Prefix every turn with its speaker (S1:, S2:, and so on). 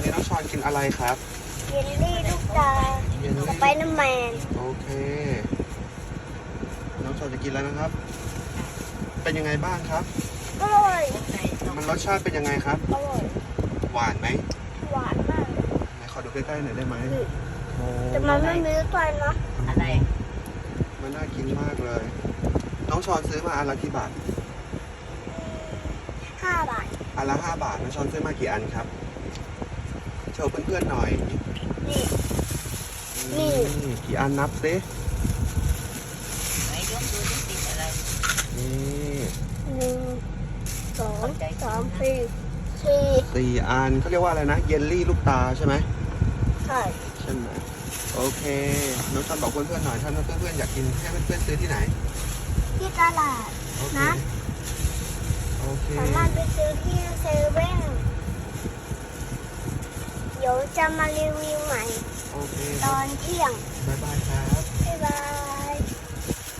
S1: นี้น้องชอนกินอะไรครับ
S2: เยลลี่ลูกตา
S1: เยลลี่
S2: สไปเดอร์แมน
S1: โอเค น้องชอนจะกินแล้วนะครับ เป็นยังไงบ้างครับ
S2: อร่อย
S1: มันรสชาติเป็นยังไงครับ
S2: อร่อย
S1: หวานไหม
S2: หวานมาก
S1: ไหนขอดูใกล้ๆหน่อยได้ไหมโอ้
S2: แต่มันไม่มีลูกตาลนะ
S3: อะไร
S1: มันน่ากินมากเลย น้องชอนซื้อมาอันละกี่บาท
S2: 5 บาท
S1: อันละ5 บาท น้องชอนซื้อมากี่อันครับ โชว์เพื่อนๆหน่อย
S2: นี่ นี่
S1: กี่อันนับซิ
S3: ไหนยกดูที่ติดอะไร
S1: นี่
S2: 1 2 3 4
S1: 4อันเขาเรียกว่าอะไรนะ เยลลี่ลูกตาใช่ไหม
S2: 4ใช่
S1: ใช่ไหมโอเค น้องชอนบอกเพื่อนๆหน่อย ถ้าเพื่อนๆอยากกินให้เพื่อนๆซื้อที่ไหน
S2: ที่ตลาด
S1: โอเค
S2: นะ
S1: โอเค
S2: สามารถไปซื้อที่เซเว่นเดี๋ยวจะมารีวิวใหม่
S1: โอเค
S2: ตอนเที่ยง
S1: บ๊ายบายครับ